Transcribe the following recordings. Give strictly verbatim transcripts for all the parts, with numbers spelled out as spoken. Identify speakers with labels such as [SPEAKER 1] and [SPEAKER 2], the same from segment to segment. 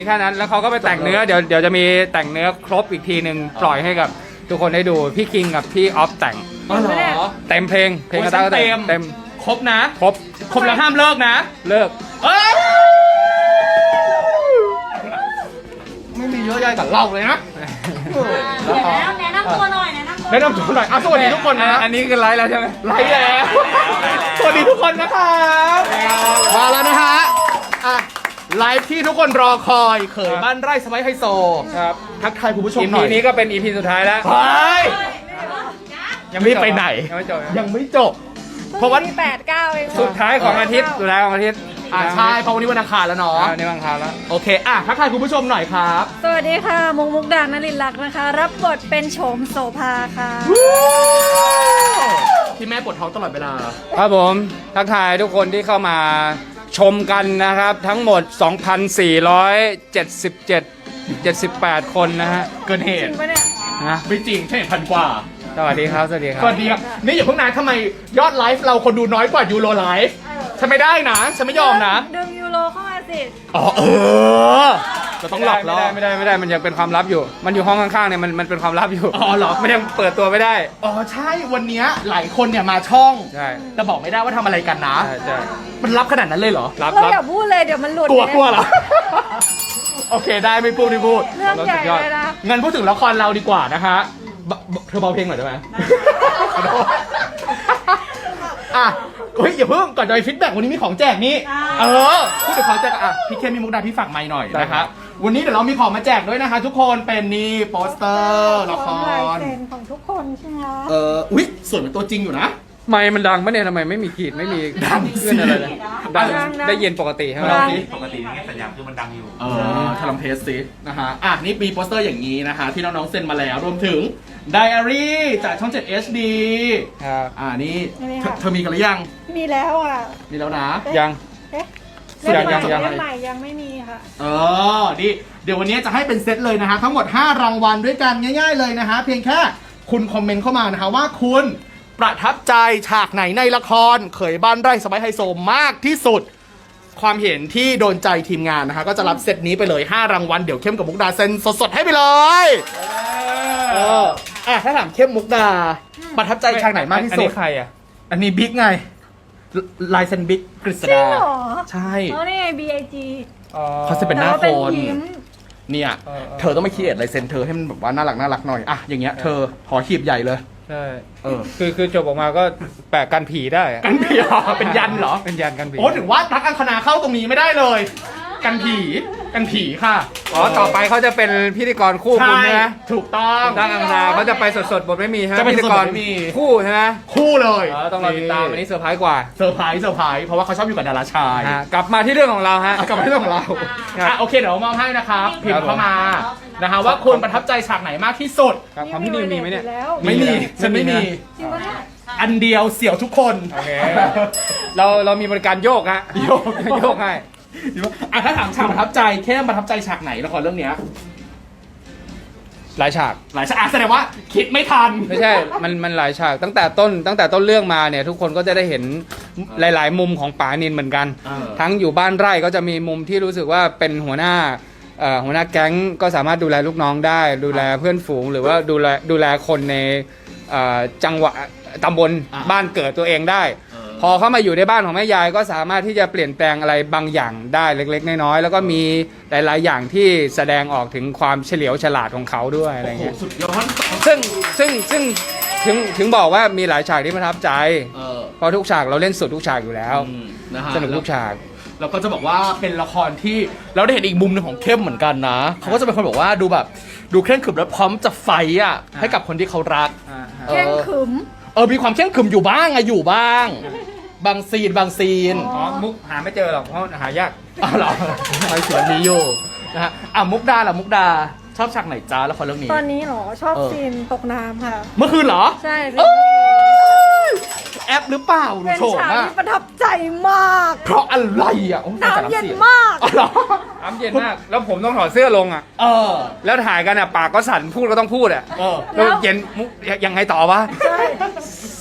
[SPEAKER 1] แค่นั้นแล้วเขาก็ไปแต่งเนื้อเดี๋ยวเดี๋ยวจะมีแต่งเนื้อครบอีกทีหนึ่งปล่อยให้กับทุกคนได้ดูพี่คิงกับพี่ออฟแต่ง
[SPEAKER 2] อ๋อเหรอ
[SPEAKER 1] เต็มเพลงเพลงกระตากระ
[SPEAKER 2] เต็
[SPEAKER 1] เต็
[SPEAKER 2] ม
[SPEAKER 1] มเต็ม
[SPEAKER 2] ครบนะ
[SPEAKER 1] ครบ
[SPEAKER 2] ครบแล้วห้ามเลิกนะ
[SPEAKER 1] เลิก
[SPEAKER 2] เอ้ยไม่มีเยอะแยะกับเราเลยนะ
[SPEAKER 3] เดี๋ยวแนะนำแนะนำตัวหน่อยแนะนำตัว
[SPEAKER 2] แนะนำตัวหน่อยอ่ะสวัสดีทุกคนนะ
[SPEAKER 1] อันนี้คือไลฟ์แล้วใช่ไหม
[SPEAKER 2] ไลฟ์แล้ว สวัสดีทุกคนนะครับมาแล้วนะฮะอ่ะไลฟ์ที่ทุกคนรอคอยเขยบ้านไร่สไปซ์ไฮโซ
[SPEAKER 1] ครับ
[SPEAKER 2] ทักทายคุณผู้ชม
[SPEAKER 1] อี
[SPEAKER 2] หน่
[SPEAKER 1] พี
[SPEAKER 2] อย
[SPEAKER 1] นี้ก็เป็นอีพีสุดท้ายแล้ว
[SPEAKER 2] เฮ้ย
[SPEAKER 1] ยังไม่
[SPEAKER 2] รีบไปไหน
[SPEAKER 1] ยังไม่จบ
[SPEAKER 2] ยังไม่จบ เพราะว่า
[SPEAKER 3] แปดเก้าเอง
[SPEAKER 1] สุดท้ายของอาทิตย์สุดท้ายของอาทิตย์
[SPEAKER 2] อ่าใช่เพราะวันนี้วันอังคารแล้วเนาะ
[SPEAKER 1] อ่านี่บางคราวแล้ว
[SPEAKER 2] โอเคอ่ะทักทายคุณผู้ชมหน่อยครับ
[SPEAKER 3] สวัสดีค่ะมุกมุกดานลินลักษณ์นะคะ รับบทเป็นโฉมโสภาค่ะ
[SPEAKER 2] ที่แม่ปวดท้องตลอดเวลา
[SPEAKER 1] ครับผมทักทายทุกคนที่เข้ามาชมกันนะครับ ทั้งหมด สองพันสี่ร้อยเจ็ดสิบเจ็ด เจ็ดสิบแปด คนนะฮะ
[SPEAKER 2] เกินเห
[SPEAKER 3] จริ
[SPEAKER 2] ตุ
[SPEAKER 3] งปะเนี่ย
[SPEAKER 1] นะ
[SPEAKER 2] ไม่จริงใช่พันกว่า
[SPEAKER 1] สวัสดีครับสวัสดีครับ
[SPEAKER 2] สวัสดีครับนี่อย่าเพิ่งนานทำไมยอดไลฟ์เราคนดูน้อยกว่ายูโรไลฟ์ฉันไม่ได้นะฉันไม่ยอมนะ
[SPEAKER 3] ดึงยูโรเข้ามาสิ
[SPEAKER 2] อ๋อเออจะต้องหลอกล่อ
[SPEAKER 1] ไม่ได้ไม่ได้ไม่ได้มันยังเป็นความลับอยู่ มันอยู่ห้องข้างๆเนี่ยมันมันเป็นความลับอยู่
[SPEAKER 2] อ๋อเหรอ
[SPEAKER 1] มันยังเปิดตัวไม่ได้
[SPEAKER 2] อ๋อใช่วันเนี้ยหลายคนเนี่ยมาช่อง
[SPEAKER 1] ใช่
[SPEAKER 2] แต่บอกไม่ได้ว่าทำอะไรกันนะ
[SPEAKER 1] ใช่ใช่
[SPEAKER 2] มันรับขนาดนั้นเลยเหรอ
[SPEAKER 1] รับ
[SPEAKER 3] เรา
[SPEAKER 1] รับ
[SPEAKER 3] อย่าพูดเลยเดี๋ยวมันหลุด
[SPEAKER 2] กลัวกลัวเหรอ โอเคได้ไม่พูดไม่พูด
[SPEAKER 3] เรื่องใหญ่เลยนะ
[SPEAKER 2] งั้นพูดถึงละครเราดีกว่านะคะบเบเธอเบาเพลงหน่อยได้ไหมขอโทษอ่ะเฮ้ยอย่าเพิ่งก่อนจะไปฟีดแบ็กวันนี้มีของแจกนี่เออพูดถึงของแจกอ่ะพี่เข้มมีมุกดาพี่ฝากไมค์หน่อยนะคะวันนี้เดี๋ยวเรามีของมาแจกด้วยนะคะ ทุกคนเป็นนี่โปสเตอร์ละค
[SPEAKER 3] ของลาย
[SPEAKER 2] ร
[SPEAKER 3] เซ็นของทุกคนใช่ไหมคะ
[SPEAKER 2] เอออุ๊ยสวยเป็นตัวจริงอยู่นะ
[SPEAKER 1] ไม่มันดังปะเนี่ยทำไมไม่มีขีดไม่มี
[SPEAKER 2] ดังสิ
[SPEAKER 1] ขึ้นอะไรเลยดังได้ยินปกติใช่ไหม
[SPEAKER 2] ดัง
[SPEAKER 4] ปกตินี่สัญญาณคือมันดังอยู่
[SPEAKER 2] เออทำเทสสินะฮะอ่ะนี่มีโปสเตอร์อย่างนี้นะคะที่น้องๆเซ็นมาแล้วรวมถึงไดอารี่จากช่อง เจ็ด เอช ดี
[SPEAKER 1] ครับ
[SPEAKER 2] อ่านี่เธอเธอมีกันหรือยัง
[SPEAKER 3] มีแล้วอ่ะ
[SPEAKER 2] มีแล้วนะ
[SPEAKER 1] ยัง
[SPEAKER 3] เอ๊ะ
[SPEAKER 1] ยังยังยัง
[SPEAKER 3] เล่มใหม่ยังไม่มีค่ะ
[SPEAKER 2] เออดิเดี๋ยววันนี้จะให้เป็นเซตเลยนะฮะทั้งหมดห้ารางวัลด้วยกันง่ายๆเลยนะฮะเพียงแค่คุณคอมเมนต์เข้ามานะฮะว่าคุณประทับใจฉากไหนในละครเขยบ้านไร่สไปซ์ไฮโซมากที่สุด ความเห็นที่โดนใจทีมงานนะฮะก็จะรับเซตนี้ไปเลยห้ารางวัลเดี๋ยวเข้มกับมุกดาเซ็นสดๆให้ไปเลยเอออ่ะถ้าถามเข้มมุกดาประทับใจฉากไหนมากที่
[SPEAKER 1] อัน
[SPEAKER 2] สุด
[SPEAKER 1] นี้ใครอ่ะ
[SPEAKER 2] อันนี้บิ๊กไงลายเซ็นบิ๊กกฤษ
[SPEAKER 3] จริง
[SPEAKER 2] ดา
[SPEAKER 3] เหรอ
[SPEAKER 2] ใช่
[SPEAKER 3] อ๋อนี่ไง บี ไอ จี
[SPEAKER 1] อ๋อ
[SPEAKER 2] เขาจะเป็นหน้า
[SPEAKER 3] แต่
[SPEAKER 2] ค
[SPEAKER 3] ว่
[SPEAKER 2] น
[SPEAKER 3] ยิ้ม
[SPEAKER 2] เนี่ย
[SPEAKER 1] เออเออ
[SPEAKER 2] เธอต้องมาคิดลายเซ็นเธอให้มันแบบว่าน่ารักน่ารักหน่อยอ่ะอย่างเงี้ยเธอหอหีบใหญ่เลย
[SPEAKER 1] ใช่
[SPEAKER 2] เออ
[SPEAKER 1] คือคือจบออกมาก็แปะกันผีได้อะ
[SPEAKER 2] กันผีเหรอเป็นยันเหรอ
[SPEAKER 1] เป็นยันกันผี
[SPEAKER 2] โอ้ถึงว่าตักอังคณาเข้าตรงนี้ไม่ได้เลย กันผีกันผีค่ะ
[SPEAKER 1] อ๋อต่อไปเขาจะเป็นพิธีกรคู่คุณ
[SPEAKER 2] ใช่
[SPEAKER 1] ใช่ไหม
[SPEAKER 2] ถูกต้อง
[SPEAKER 1] ดังอังคารเขาจะไปสดๆบทไม่มีใช่ไหม
[SPEAKER 2] จะไป
[SPEAKER 1] พิธี
[SPEAKER 2] สด
[SPEAKER 1] ก
[SPEAKER 2] ๆ
[SPEAKER 1] ร
[SPEAKER 2] ไม่มี
[SPEAKER 1] คู่ใช่ไหม
[SPEAKER 2] คู่เลย
[SPEAKER 1] อ๋อต้องรอติดตามอันนี้เซอร์ไพรส์กว่า
[SPEAKER 2] เซอร์ไพรส์เซอร์ไพรส์เพราะว่าเขาชอบอยู่กับดาราชาย
[SPEAKER 1] ฮะกลับมาที่เรื่องของเราฮะ
[SPEAKER 2] อ่ะกลับมาที่เรื่องของเรา
[SPEAKER 1] ครับ
[SPEAKER 2] อ่ะโอเคเดี๋ยวมอบให้นะครับพิม
[SPEAKER 1] ครับ
[SPEAKER 2] พ์เข้ามานะคะว่าคุณประทับใจฉากไหนมากที่สุด
[SPEAKER 1] ครับของพี่นิวมีไหมเนี่ย
[SPEAKER 3] แล้ว
[SPEAKER 2] ไม่มีฉันไม่มี
[SPEAKER 3] จริงปะเนี่ย
[SPEAKER 2] อันเดียวเสี่ยวทุกคน
[SPEAKER 1] โอเค เราเรามีบริการโยกฮะ
[SPEAKER 2] โยก
[SPEAKER 1] โยกให้
[SPEAKER 2] อ่ะถ้าถามฉากประทับใจเข้มประทับใจฉากไหนละครเรื่องเนี้ย
[SPEAKER 1] หลายฉาก
[SPEAKER 2] หลายฉากอ่ะแสดงว่าคิดไม่ทัน
[SPEAKER 1] ไม่ใช่ มันมันหลายฉากตั้งแต่ต้นตั้งแต่ต้นเรื่องมาเนี่ยทุกคนก็จะได้เห็นหลาย ๆ มุมของป๋านินเหมือนกัน
[SPEAKER 2] เออ
[SPEAKER 1] ทั้งอยู่บ้านไร่ก็จะมีมุมที่รู้สึกว่าเป็นหัวหน้าเอ่อหัวหน้าแก๊งก็สามารถดูแลลูกน้องได้ ดูแลเพื่อนฝูง หรือว่าดูแลดูแลคนในเอ่อจังหวะตำบล
[SPEAKER 2] อ่า
[SPEAKER 1] บ้านเกิดตัวเองได้ พอเข้ามาอยู่ในบ้านของแม่ยายก็สามารถที่จะเปลี่ยนแปลงอะไรบางอย่างได้เล็ก ๆ น้อย ๆ แล้วก็มีหลาย ๆ อย่างที่แสดงออกถึงความเฉลียวฉลาดของเขาด้วยอะไร
[SPEAKER 2] โอ้โห
[SPEAKER 1] เงี้ย
[SPEAKER 2] สุดยอด
[SPEAKER 1] ซึ่งซึ่งซึ่งถึงถึงบอกว่ามีหลายฉากที่ประทับใจ
[SPEAKER 2] เออ
[SPEAKER 1] เพราะทุกฉากเราเล่นสุดทุกฉากอยู่แล้ว
[SPEAKER 2] อืมนะฮะ
[SPEAKER 1] สนุกทุกฉาก
[SPEAKER 2] แล้วก็จะบอกว่าเป็นละครที่เราได้เห็นอีกมุมหนึงของเข้มเหมือนกันนะเขาก็จะเป็นคนบอกว่าดูแบบดูเคร่งขรึมและพร้อมจะไฟต์อ่ะให้กับคนที่เขารัก
[SPEAKER 3] เข่งขึม
[SPEAKER 2] เออมีความเคร่งขรึมอยู่บ้างอะอยู่บ้าง บางซีนบางซีน
[SPEAKER 3] อ๋
[SPEAKER 1] อ๋อ มุกหาไม่เจอหรอกเพราะหายาก
[SPEAKER 2] อ๋อเหรอไอ้เสียงนี้อยู่นะฮะอ่ะมุกดาล่ะมุกดาชอบฉากไหนจ้าละครเรื่องนี้
[SPEAKER 3] ตอนนี้เหรอ ชอบ
[SPEAKER 2] เออ
[SPEAKER 3] ซีนตกน้ำค่ะ
[SPEAKER 2] เมื่อคืนเหรอ
[SPEAKER 3] ใช่
[SPEAKER 2] เอ้ยแอปหรือเปล่าหนู
[SPEAKER 3] เป็น
[SPEAKER 2] โฉม
[SPEAKER 3] ฉาก
[SPEAKER 2] อะ
[SPEAKER 3] ที่ประทับใจมาก
[SPEAKER 2] เพราะอะไรอ่ะโอ้ย
[SPEAKER 3] น้ำเย็นมาก
[SPEAKER 2] อ๋อเหรอ
[SPEAKER 1] น้ำเย็นมาก แล้วผมต้องถอดเสื้อลงอ่ะ
[SPEAKER 2] เออ
[SPEAKER 1] แล้วถ่ายกันอ่ะปากก็สั่นพูดก็ต้องพูดอ่ะ
[SPEAKER 2] เออ
[SPEAKER 1] แล้วเย็นมุกยังไงต่อวะ
[SPEAKER 3] ใช่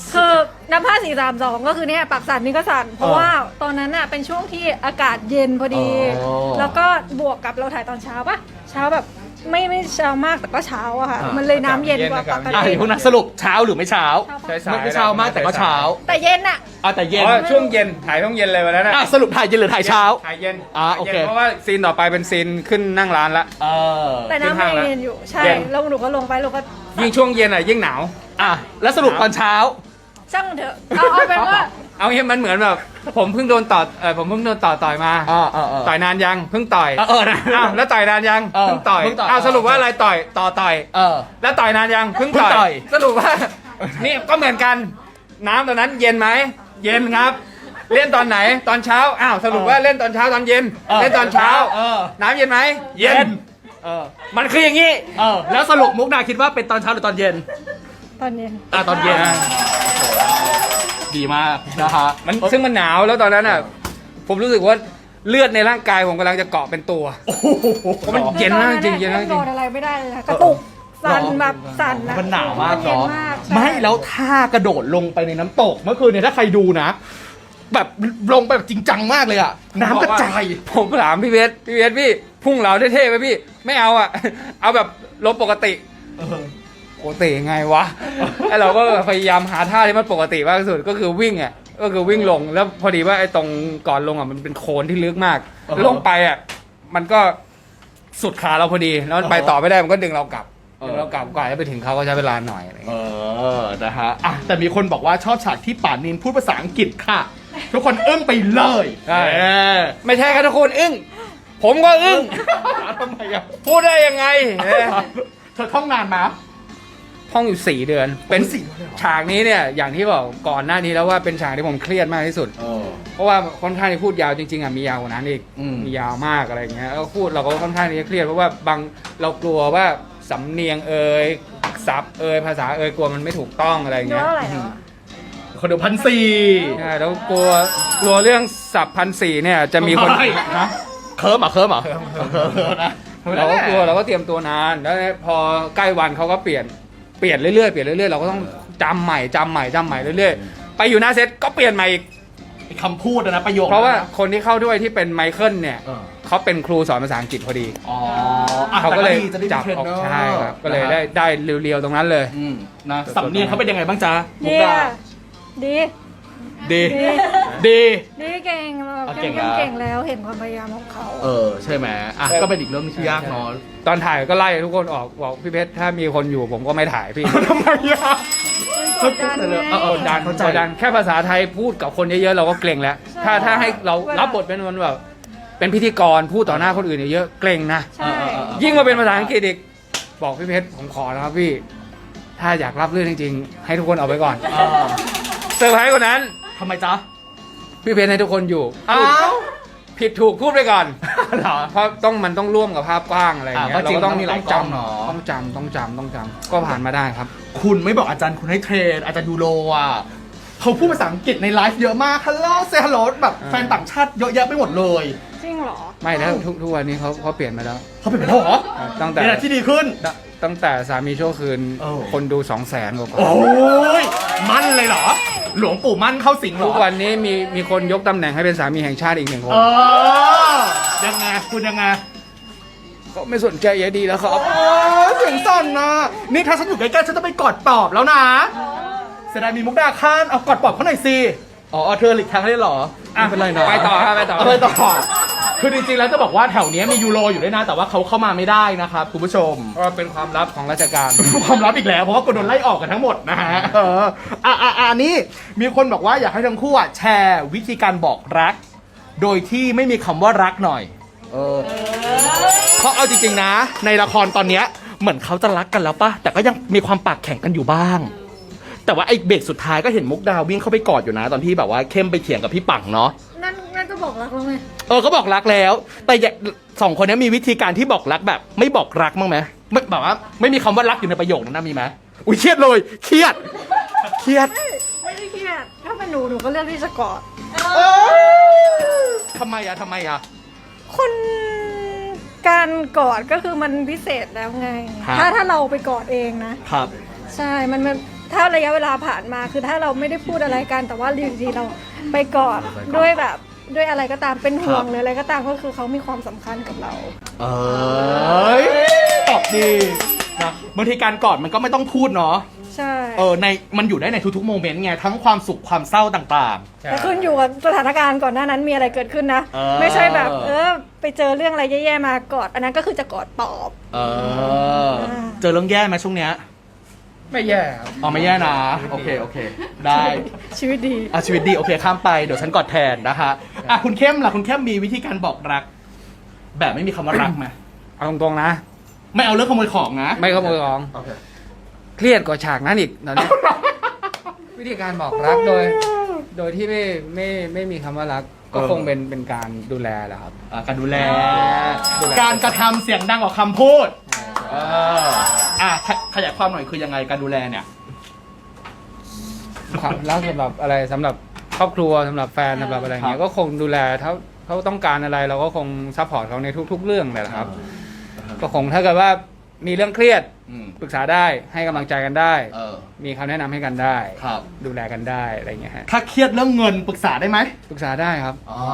[SPEAKER 3] คือนับห้าสี่สามสองก็คือเนี่ยปากสั่นนี่ก็สั่นเพราะ
[SPEAKER 2] เออ
[SPEAKER 3] ว่าตอนนั้นอ่ะเป็นช่วงที่อากาศเย็นพอดี
[SPEAKER 2] อ๋อ
[SPEAKER 3] แล้วก็บวกกับเราถ่ายตอนเช้าปะเช้าแบบไม่ไม่เช้ามากแต่ก็เช้าอะค่ะ
[SPEAKER 2] อ่ามั
[SPEAKER 3] มันเลยน้ำเย็นกว่าปก
[SPEAKER 2] อ่ะ
[SPEAKER 3] ติ
[SPEAKER 2] เดี๋ยวพวกนั้นสรุปเช้าหรือไม่เช้า
[SPEAKER 1] ใช่สาย
[SPEAKER 2] ไม่เช้ามากแต่ก็เช้า
[SPEAKER 3] แต่เย็นอะ
[SPEAKER 2] อ่ะแต่เย็น
[SPEAKER 1] อ๋อช่วงเย็นถ่ายช่วงเย็นเลยวันนั้นนะ
[SPEAKER 2] อ่ะสรุปถ่ายเย็นหรือถ่ายเช้า
[SPEAKER 1] ถ่ายเย็น
[SPEAKER 2] อ่า
[SPEAKER 1] ถ่ายย็น
[SPEAKER 2] โอเค
[SPEAKER 1] เพราะว่าซีนต่อไปเป็นซีนขึ้นนั่งร้านละ
[SPEAKER 2] เออ
[SPEAKER 3] แต่น้ำ
[SPEAKER 1] ขึ้นห้าง
[SPEAKER 3] ยัง
[SPEAKER 1] แล้ว
[SPEAKER 3] เย็นอยู่ใช่
[SPEAKER 1] เย็น
[SPEAKER 3] แล้วหนูก็ลงไปเราก็
[SPEAKER 1] ยิ่งช่วงเย็นอ่ะยิ่งหนาว
[SPEAKER 2] อ่ะแล้วสรุปตอนเช้า
[SPEAKER 3] ช่างมันเถอะเอาเอาเป็นว่า
[SPEAKER 1] เอางี้มันเหมือนแบบผมเพิ่งโดนต่อเออผมเพิ่งโดนต่อต่อยมา
[SPEAKER 2] อ่าอ่าอ่า
[SPEAKER 1] ต่อยนานยังเพิ่งต่อย
[SPEAKER 2] เออเออนะ
[SPEAKER 1] อ้าวแล้วต่อยนานยัง
[SPEAKER 2] เออ
[SPEAKER 1] เพิ่งต่อย
[SPEAKER 2] เพิ่งต่อย
[SPEAKER 1] อ้าวสรุปว่าอะไรต่อยต่อต่อย
[SPEAKER 2] เออ
[SPEAKER 1] แล้วต่อยนานยังเพิ่ง
[SPEAKER 2] เพิ่งต่
[SPEAKER 1] ต่
[SPEAKER 2] อ
[SPEAKER 1] อย ยสรุปว่า นี่ก็เหมือนกันน้ำตอนนั้นเย็นไหมเย็นครับ เล่นตอนไหนตอนเช้าอ้าวสรุปว่าเล่นตอนเช้าตอนเย็น
[SPEAKER 2] เออ
[SPEAKER 1] เล่นตอนเช้า
[SPEAKER 2] เออ
[SPEAKER 1] น้ำเย็นไหม
[SPEAKER 2] เย็น เออ
[SPEAKER 1] มันคืออย่างนี้
[SPEAKER 2] เออ แล้วสรุปมุกดาคิดว่าเป็นตอนเช้าหรือตอนเย็น
[SPEAKER 3] ตอนเย็น
[SPEAKER 2] อ่ะตอนเย็น
[SPEAKER 1] อ่า
[SPEAKER 2] ดีมากนะฮะ
[SPEAKER 1] มันซึ่งมันหนาวแล้วตอนนั้นอ่ะผมรู้สึกว่าเลือดในร่างกายผมกำลังจะเกาะเป็นตัว
[SPEAKER 2] โอ้โห
[SPEAKER 1] เพราะมันเย็นมากจริงๆเย็นมากจริง
[SPEAKER 3] โดนอะไรไม่ได้เลยค่ะกระตุกสั่นแบบสั่นอะ
[SPEAKER 2] มันหนาวมาก
[SPEAKER 3] เย็น
[SPEAKER 2] เนาะ
[SPEAKER 3] มากใช่
[SPEAKER 2] ไม่แล้วท่ากระโดดลงไปในน้ำตกเมื่อคืนเนี่ยถ้าใครดูนะ แบบลงไปแบบจริงจังมากเลยอะน้ำกระจาย
[SPEAKER 1] ผมถามพี่เวสพี่เวสพี่พุ่งเหลาเท่ๆไหมพี่ไม่เอาอ่ะ เอาแบบลบปกติปกติยังไงวะไอเราก็พยายามหาท่าที่มันปกติมากที่สุดก็คือวิ่งอ่ะก็คือวิ่งลงแล้วพอดีว่าไอ้ตรงก่อนลงอ่ะมันเป็นโคลนที่ลึกมาก
[SPEAKER 2] อ่าฮะ
[SPEAKER 1] ลงไปอ่ะมันก็สุดขาเราพอดีแล้วมันไปต่อไม่ได้มันก็ดึงเรากลับ
[SPEAKER 2] เออ
[SPEAKER 1] ดึงเรากลับก่อนจะไปถึงเขาก็ใช้เวลาหน่อยอะไรอย่าง
[SPEAKER 2] เอ
[SPEAKER 1] เงี้ย
[SPEAKER 2] อ นะฮะ อ่ะ แต่มีคนบอกว่าชอบฉากที่ป่านินพูดภาษาอังกฤษค่ะ ทุกคนอึ้งไปเลย
[SPEAKER 1] ใช่
[SPEAKER 2] เออ
[SPEAKER 1] ไม่ใช่ครับทุกคนอึ้งผมก็อึ้ง
[SPEAKER 2] ทำไมอ่ะ
[SPEAKER 1] พูดได้ยังไงเออ
[SPEAKER 2] เธอท่องนานมา
[SPEAKER 1] ท่องอยู่สี่เดือน เป็น
[SPEAKER 2] สี่เดือนเลยเหรอ
[SPEAKER 1] ฉากนี้เนี่ยอย่างที่บอกก่อนหน้านี้แล้วว่าเป็นฉากที่ผมเครียดมากที่สุด
[SPEAKER 2] เออ
[SPEAKER 1] เพราะว่าค่อนข้างที่พูดยาวจริงๆอ่ะมียาวกว่านั้นอีก
[SPEAKER 2] อืม
[SPEAKER 1] มียาวมากอะไรอย่างเงี้ยแล้วพูดเราก็ค่อนข้างที่จะเครียดเพราะว่าบางเรากลัวว่าสำเนียงเอ่ยศัพท์เอ่ยภาษาเอ่ยกลัวมันไม่ถูกต้องอะไรอย่าง
[SPEAKER 3] ดู
[SPEAKER 1] เงี้ย
[SPEAKER 3] ว่าอะไรเหรอ
[SPEAKER 2] คนเดียวพันสี่
[SPEAKER 1] ใช่แล้วกลัวกลัวเรื่องศัพท์พันสี่เนี่ยจะมีคน
[SPEAKER 2] เฮ้ย
[SPEAKER 1] นะ
[SPEAKER 2] เคิร์มเหรอเคิร์มเหรอนะ
[SPEAKER 1] เราก็กลัวเราก็เตรียมตัวนานแล้วพอใกล้วันเขาก็เปลี่ยนเปลี่ยนเรื่อยๆเปลี่ยนเรื่อยๆเราก็ต้องจำใหม่จำใหม่จำใหม่เรื่อยๆไปอยู่หน้าเซตก็เปลี่ยนใหม่อีก
[SPEAKER 2] ไอ้คำพูดอะนะประโยค
[SPEAKER 1] เพราะว่า
[SPEAKER 2] นั้นน
[SPEAKER 1] คนที่เข้าด้วยที่เป็นไมเคิลเนี่ย
[SPEAKER 2] เออ
[SPEAKER 1] เขาเป็นครูสอนภาษาอังกฤษพอดี
[SPEAKER 2] อ๋ออ่ะ
[SPEAKER 1] เขาก็เลย
[SPEAKER 2] แต่ดีจะได้
[SPEAKER 1] จับ
[SPEAKER 2] มีเทรน
[SPEAKER 1] ออก
[SPEAKER 2] เนอร์
[SPEAKER 1] ใช่ครับก็เลย
[SPEAKER 2] นะฮะ
[SPEAKER 1] ได้ได้เรียวๆตรงนั้นเลย
[SPEAKER 2] อืมนะสำเนียงเขาเป็นยังไงบ้างจ๊ะมุก
[SPEAKER 3] เยี่ย
[SPEAKER 2] ดา
[SPEAKER 3] ดี
[SPEAKER 2] ดี
[SPEAKER 3] ดี
[SPEAKER 2] ดี
[SPEAKER 3] ดีเก่งแบบ
[SPEAKER 2] เอา
[SPEAKER 3] เก่ง
[SPEAKER 2] เก่งนะ
[SPEAKER 3] เก่งแล้วเห็นความพยายามของเขา
[SPEAKER 2] เออ ใช่ไหมอ่ะก็เป็นอีกเรื่องที่ยากเนาะ
[SPEAKER 1] ตอนถ่ายก็ไล่ทุกคนออกบอกพี่เพชรถ้ามีคนอยู่ผมก็ไม่ถ่ายพี่
[SPEAKER 2] ทำไมอ่ะ
[SPEAKER 3] กดดันไง
[SPEAKER 2] เออเออ
[SPEAKER 1] กดดัน
[SPEAKER 2] เข้าใจ
[SPEAKER 1] กดดันแค่ภาษาไทยพูดกับคนเยอะๆเราก็เกรงแล้ว
[SPEAKER 3] ใช่
[SPEAKER 1] ถ้าถ้าให้เรา
[SPEAKER 3] เวลา
[SPEAKER 1] รับบทเป็นมันแบบเป็นพิธีกรพูดต่อหน้าคนอื่นเยอะๆเกรงนะ
[SPEAKER 3] ใช่
[SPEAKER 1] ยิ่งมาเป็นภาษาอังกฤษอีกบอกพี่เพชรผมขอนะครับพี่ ถ้าอยากรับเรื่องจริงๆ ให้ทุกคนเอาไปก่อน
[SPEAKER 2] อ่า
[SPEAKER 1] เซอร์ไพรส์กว่านั้น
[SPEAKER 2] ทำไมจ๊ะ
[SPEAKER 1] พี่เพชรให้ทุกคนอยู่
[SPEAKER 2] อ้าว
[SPEAKER 1] ผิดถูกพูดไปก่อน
[SPEAKER 2] เหรอ
[SPEAKER 1] เพราะต้องมันต้องร่วมกับภาพกว้างอะไรอย่างเงี้
[SPEAKER 2] อ่าย เพราะจริง
[SPEAKER 1] เราก็ต้อง
[SPEAKER 2] มันมีหลายกล้องเนอะ
[SPEAKER 1] ต้องจำต้องจำต้องจำก็ผ่านมาได้ครับ
[SPEAKER 2] คุณไม่บอกอาจารย์คุณให้เทรน อาจารย์ยูโรอ่ะเขาพูดภาษาอังกฤษในไลฟ์เยอะมาก ฮัลโหลเซฮัลโหลแบบ
[SPEAKER 1] อ่า
[SPEAKER 2] แฟนต่างชาติเยอะแยะไปหมดเลย
[SPEAKER 3] จริงเหรอ
[SPEAKER 1] ไม่แล้วทุกทุกวันนี้เขาเขาเปลี่ยนมาแล้ว
[SPEAKER 2] เขาเป็นไปแล้วเหรอ
[SPEAKER 1] ตั้งแต่
[SPEAKER 2] เป็นอะไรที่ดีขึ้น
[SPEAKER 1] ตั้งตั้งแต่สามีชั่วคืน
[SPEAKER 2] เออ
[SPEAKER 1] คนดูสองแสนกว่า
[SPEAKER 2] โอ้ย มั่นเลยเหรอ หลวงปู่มั่นเข้าสิงเหร
[SPEAKER 1] ทุ
[SPEAKER 2] อ
[SPEAKER 1] กวันนี้มีมีคนยกตำแหน่งให้เป็นสามีแห่งชาติอีกหนึ่งคน
[SPEAKER 2] เออ ยังไง คุณยังไง
[SPEAKER 1] ก็ไม่สนใจยายดีแล้วครับ
[SPEAKER 2] โอ้ยเสียงสั่นนะนี่ถ้าฉันอยู่ใกล้ๆฉันจะไปกอดปอบแล้วนะเสียดายมีมุกดาข้านเอากอดปอบเขาหน่อยสิ อ๋อเธอหลีกทางให้เหรอไม่เป็นไรนะ
[SPEAKER 1] ไปต่อครับไปต่อ
[SPEAKER 2] เไปต่อ คือจริงๆแล้วจะบอกว่าแถวเนี้ยมียูโรอยู่ด้วยนะ แต่ว่าเขาเข้ามาไม่ได้นะครับคุณผู้ชม
[SPEAKER 1] เพราะว่าเป็นความลับของราชการ
[SPEAKER 2] ความลับอีกแล้วเพราะว่าคนโดนไล่ออกกันทั้งหมดนะฮะเอออ่ะอ่ะอ่ะนี่มีคนบอกว่าอยากให้ทั้งคู่อ่ะแชร์วิธีการบอกรัก โดยที่ไม่มีคำว่ารักหน่อย เออเพราะเอาจริงๆนะ ในละครตอนเนี้ยเหมือนเขาจะรักกันแล้วปะแต่ก็ยังมีความปากแข็งกันอยู่บ้าง แต่ว่าไอ้เบรกสุดท้ายก็เห็นมุกดาววิ่งเข้าไปกอดอยู่นะ ตอนที่แบบว่าเข้มไปเถียงกับพี่ปังเนาะ
[SPEAKER 3] นั่นนั่นก็บอกรักแล้วไง
[SPEAKER 2] เออก็บอกรักแล้ว แต่อย่าสองคนนี้มีวิธีการที่บอกรักแบบ ไม่บอกรักมั้างไหมไม่แบบว่าไม่มีคำว่ารักอยู่ในประโยคนั้นนะมีไหมอุ้ยเครียดเลยเครียดเครียด
[SPEAKER 3] ไม่ได้เครียดถ้าเป็นหนูหนูก็เลือกที่จะกอด
[SPEAKER 2] เออทำไมอะทำไมอะ
[SPEAKER 3] คนการกอดก็คือมันพิเศษแล้วไง
[SPEAKER 2] ครับ
[SPEAKER 3] ถ้าถ้าเราไปกอดเองนะ
[SPEAKER 2] ครับ
[SPEAKER 3] ใช่ มันมันถ้าระยะเวลาผ่านมาคือถ้าเราไม่ได้พูดอะไรกันแต่ว่าอยู่ดีๆเราไปกอดด้วยแบบด้วยอะไรก็ตามเป็นห่วงหรืออะไรก็ตามก็คือเขามีความสำคัญกับเรา
[SPEAKER 2] เอ้ยตอบดีนะบางทีการกอดมันก็ไม่ต้องพูดเนาะ
[SPEAKER 3] ใช่
[SPEAKER 2] เออในมันอยู่ได้ในทุกๆโมเมนต์ไงทั้งความสุขความเศร้าต่าง
[SPEAKER 3] แต่ขึ้นอยู่กับสถานการณ์ก่อนหน้านั้นมีอะไรเกิดขึ้นนะ
[SPEAKER 2] เออ
[SPEAKER 3] ไม่ใช่แบบเออไปเจอเรื่องอะไรแย่ๆมากอดอันนั้นก็คือจะกอดปลอบ
[SPEAKER 2] ๆเออเจอเรื่องแย่ไหมช่วงเนี้ย
[SPEAKER 1] ไม่แย่ครับ
[SPEAKER 2] อ๋อไม่แย่นะโอเคโอเค ได้
[SPEAKER 3] ชีวิตดี
[SPEAKER 2] อ่ะชีวิตดีโอเคข้ามไปเดี๋ยวฉันกอดแทนนะคะอ่ะคุณเข้มล่ะคุณเข้มมีวิธีการบอกรัก แบบไม่มีคำว่ารักไหม
[SPEAKER 1] เอาตรงๆนะ
[SPEAKER 2] ไม่เอาเรื่องขโมยของนะ
[SPEAKER 1] ไม่ขโมยของ
[SPEAKER 2] โอเค
[SPEAKER 1] เครียดกว่าฉากนั้นอีกตอนนี้ วิธีการบอกรักโดย โดยที่ไม่ไม่ไม่มีคำว่ารัก ก็
[SPEAKER 2] เออ
[SPEAKER 1] คงเป็นเป็นการดูแลแหละครับ
[SPEAKER 2] อ่ะการดูแล
[SPEAKER 1] ดูแล
[SPEAKER 2] การกระทำเสียงดังกว่าคำพูดเอออ่ะขยขยายความหน่อยคือยังไงการดูแลเนี่ย
[SPEAKER 1] ความรักสำหรับอะไรสำหรับครอบครัวสำหรับแฟนสำหรับอะไรอย่างเงี้
[SPEAKER 2] ค
[SPEAKER 1] ย
[SPEAKER 2] รับ
[SPEAKER 1] ก็คงดูแลเขาเขาต้องการอะไรเราก็คงซัพพอร์ตเขาในทุก ๆ เรื่องเลยแหละครับ ก็คงถ้าเกิดว่ามีเรื่องเครียด
[SPEAKER 2] อืม
[SPEAKER 1] ปรึกษาได้ให้กำลังใจกันได้
[SPEAKER 2] เออ
[SPEAKER 1] มีคำแนะนำให้กันได้
[SPEAKER 2] ครับ
[SPEAKER 1] ดูแลกันได้อะไรอย่างเงี้ยฮะ
[SPEAKER 2] ถ้าเครียดเรื่องเงินปรึกษาได้ไหม
[SPEAKER 1] ปรึกษาได้ครับ
[SPEAKER 2] อ๋อ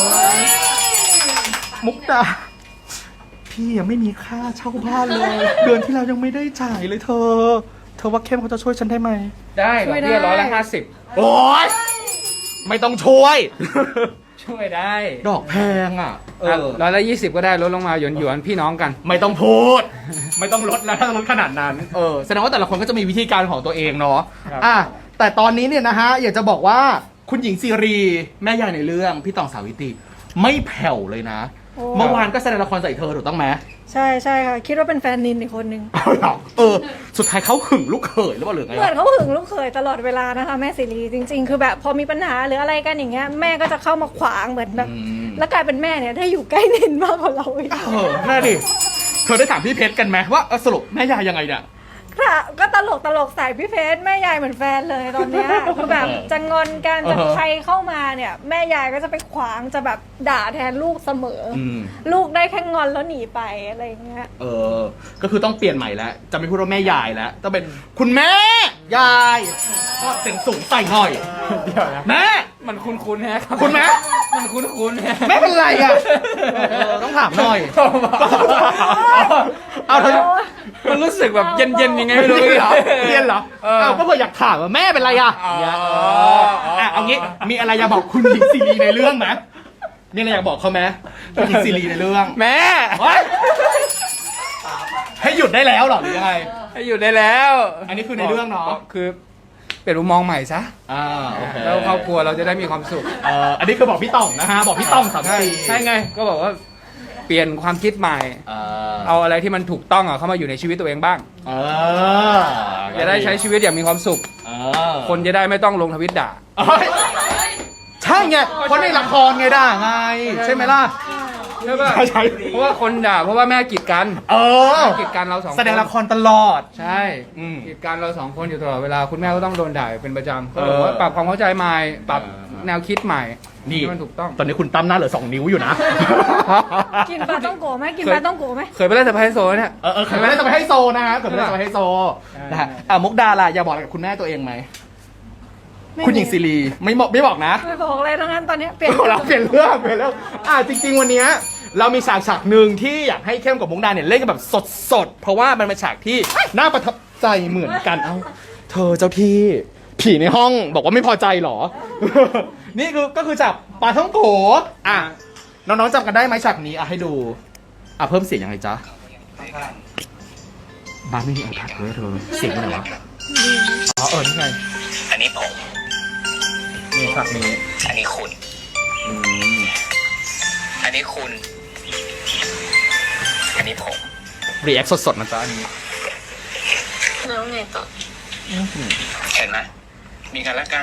[SPEAKER 2] มุกดาพี่ยังไม่มีค่าเช่าบ้านเลย เดือนที่แล้วยังไม่ได้จ่ายเลยเธอ เธอว่าเข้มเขาจะช่วยฉันได้ไหม
[SPEAKER 1] ได้
[SPEAKER 3] ช่
[SPEAKER 1] ดอ
[SPEAKER 3] วย
[SPEAKER 1] กเบี้ย
[SPEAKER 3] ได้
[SPEAKER 1] ร้อยละห้าสิบ
[SPEAKER 2] โอ๊ยไม่ต้องช่วย
[SPEAKER 1] ช่วยได้
[SPEAKER 2] ดอกแพงอ่ะ เออ
[SPEAKER 1] ร้อยละยี่สิบก็ได้ลดลงมาหยวนหยวนๆพี่น้องกัน
[SPEAKER 2] ไม่ต้องพูด ไม่ต้องลดแล้วถ้าลดขนาดนั้น เออ แสดงว่าแต่ละคนก็จะมีวิธีการของตัวเองเนาะ
[SPEAKER 1] ครับ
[SPEAKER 2] อ่ะ แต่ตอนนี้เนี่ยนะฮะ อยากจะบอกว่าคุณหญิงซีรี แม่ยายในเรื่อง พี่ตองสาวิตรีไม่แผ่วเลยนะ
[SPEAKER 3] โอ้
[SPEAKER 2] เมื่อวานก็แสดงละครใส่เธอถูกต้องไหม
[SPEAKER 3] ใช่ใช่ค่ะคิดว่าเป็นแฟนนินอีกคนนึง
[SPEAKER 2] เอาเหรอเออ สุดท้ายเขาหึงลูกเขยหรือเปล่าหรือไง
[SPEAKER 3] เหมือน
[SPEAKER 2] วะ
[SPEAKER 3] เขาหึงลูกเขยตลอดเวลานะคะแม่สิรีจริง ๆ คือแบบพอมีปัญหาหรืออะไรกันอย่างเงี้ยแม่ก็จะเข้ามาขวางเหมือนแบบ
[SPEAKER 2] อืม
[SPEAKER 3] แล้วกลายเป็นแม่เนี่ยถ้าอยู่ใกล้นินมากกว่าเราอีก
[SPEAKER 2] เออน่าดิ เธอได้ถามพี่เพชรกันไหมว่าเออสรุปแม่ยายยังไงเนี่ย
[SPEAKER 3] ค่ะก็ตลกตลกใส่พี่เพชรแม่ยายเหมือนแฟนเลยตอนเนี้ยคือแบบจะงอนกันจะ
[SPEAKER 2] เออ
[SPEAKER 3] ใครเข้ามาเนี่ย แม่ยายก็จะไปขวางจะแบบด่าแทนลูกเสมออ
[SPEAKER 2] อืม
[SPEAKER 3] ลูกได้แค่งอนแล้วหนีไปอะไรอย่างเงี้ย
[SPEAKER 2] เออ ก็คือต้องเปลี่ยนใหม่แล้ว จะไม่พูดว่าแม่ยายแล้ว ต้องเป็นคุณแม่ ยาย ก็เสียงสูงใส่หน่อย
[SPEAKER 1] เดี๋ยวนะ
[SPEAKER 2] แม่
[SPEAKER 1] มันคุ้นๆแฮะรับ
[SPEAKER 2] คุณแม่
[SPEAKER 1] มันคุ้นๆแฮะ
[SPEAKER 2] แม่เป็นไรอ่ะเออต้องถามหน่อย เอาเธอ
[SPEAKER 1] มันรู้สึกแบบเย็นๆยังไงไม่รู้
[SPEAKER 2] เรียนเหรอ
[SPEAKER 1] พี่
[SPEAKER 2] เรียนเหรอ
[SPEAKER 1] เออ
[SPEAKER 2] เอาก็เพื่ออยากถามว่าแม่เป็นไรอ่ะ
[SPEAKER 1] อ๋อ
[SPEAKER 2] เนี่ยเอออ่ะเอางี้ มีอะไรอยากบอกคุณหญิงซีรีในเรื่องไหมมีอะไรอยากบอกเขาไหมคุณหญิงซีรีในเรื่อง
[SPEAKER 1] แม่
[SPEAKER 2] เฮ้ยให้หยุดได้แล้วเหรอหรือยังไง
[SPEAKER 1] ให้อยู่ได้แล้ว
[SPEAKER 2] อันนี้คือในเรื่องเนาะ
[SPEAKER 1] คือเปลี่ยนมุมมองใหม่ซะ
[SPEAKER 2] อ่าโอเค
[SPEAKER 1] แล้วครอบครัวเราจะได้มีความสุข
[SPEAKER 2] เอ่ออันนี้คือบอกพี่ต่องนะฮะ บอกพี่ต่องสาม
[SPEAKER 1] ใช่
[SPEAKER 2] สี่
[SPEAKER 1] ใช่ไง ก็บอกว่าเปลี่ยนความคิดใหม่
[SPEAKER 2] เอ่อ
[SPEAKER 1] เอาอะไรที่มันถูกต้องอ่ะเข้ามาอยู่ในชีวิตตัวเองบ้าง
[SPEAKER 2] เออ
[SPEAKER 1] จะได้ใช้ชีวิตอย่างมีความสุข
[SPEAKER 2] เออ
[SPEAKER 1] คนจะได้ไม่ต้องลงทวิตด่า
[SPEAKER 2] เอ้ยใช่ไงเพราะในละครไงด่าไง ใช่ไหมล่ะ
[SPEAKER 1] ใช่ป่ะ
[SPEAKER 2] ใช่ใช่
[SPEAKER 1] เพราะว่าคนด่าเพราะว่าแม่กีดกัน
[SPEAKER 2] เออ
[SPEAKER 1] แม่กีดกันเราสองคน
[SPEAKER 2] แสดงละครตลอด
[SPEAKER 1] ใช่
[SPEAKER 2] อืม
[SPEAKER 1] กีดกันเราสองคนอยู่ตลอดเวลาคุณแม่ก็ต้องโดนด่าเป็นประจำ
[SPEAKER 2] เอ
[SPEAKER 1] ก็
[SPEAKER 2] อ
[SPEAKER 1] บอกว่าปรับความเข้าใจใหม่ปรับ
[SPEAKER 2] เออ
[SPEAKER 1] แนวคิดใหม่
[SPEAKER 2] นี่
[SPEAKER 1] ให้มันถูกต้อง
[SPEAKER 2] ตอนนี้คุณตั้มหน้าเหลือสองนิ้วอยู่นะ
[SPEAKER 3] กินปลาต้องโกะไหมกินปลาต้องโกะไหม
[SPEAKER 1] เคยไปเล่นสะพายโซนเนี่ย
[SPEAKER 2] เออเออเคยไม่ได้จะไปให้โซนะฮะเคยไม่ได้จะไปให้โซ
[SPEAKER 1] ใช่
[SPEAKER 2] นะฮะอ่ะมุกดาล่ะอยากบอกอะไรกับคุณแม่ตัวเองไหม
[SPEAKER 3] ไม่
[SPEAKER 2] คุณหญิงซีรีไม่บอกไม่บอกนะ
[SPEAKER 3] ไม่บอกอะไรทั้งนั้นตอนเนี้ยเปลี่ยน
[SPEAKER 2] เราเปลี่ยนเรื่องเปลี่ยนเรื่องอ่ะจริง ๆ วันเนี้ยเรามีฉากฉากหนึ่งที่อยากให้เข้มกับมุกดาเนี่ยเล่นกันแบบสดๆ เพราะว่ามันเป็นฉากที่น่าประทับใจเหมือนกัน เอ้า เธอเจ้าที่ผีในห้องบอกว่าไม่พอใจเหรอ นี่คือก็คือจากปลาท่องโกอ่ะน้องๆจำกันได้ไหมฉากนี้อ่ะให้ดู อ่ะเพิ่มเสียงยังไงจ๊ะบ้านไม่มีไอแพดเลยเธอเสียงอยู่ไหนวะอ๋อเออนี่ไง
[SPEAKER 4] อันนี้ผม
[SPEAKER 2] นี่ฉากนี้
[SPEAKER 4] อันนี้คุณ
[SPEAKER 2] อืม
[SPEAKER 4] อันนี้คุณ อันนี้ผม
[SPEAKER 2] รีแอคสดๆนะจ๊ะอันนี้
[SPEAKER 5] แล้วไงต่อ
[SPEAKER 4] เห็นไหมมีกันและกัน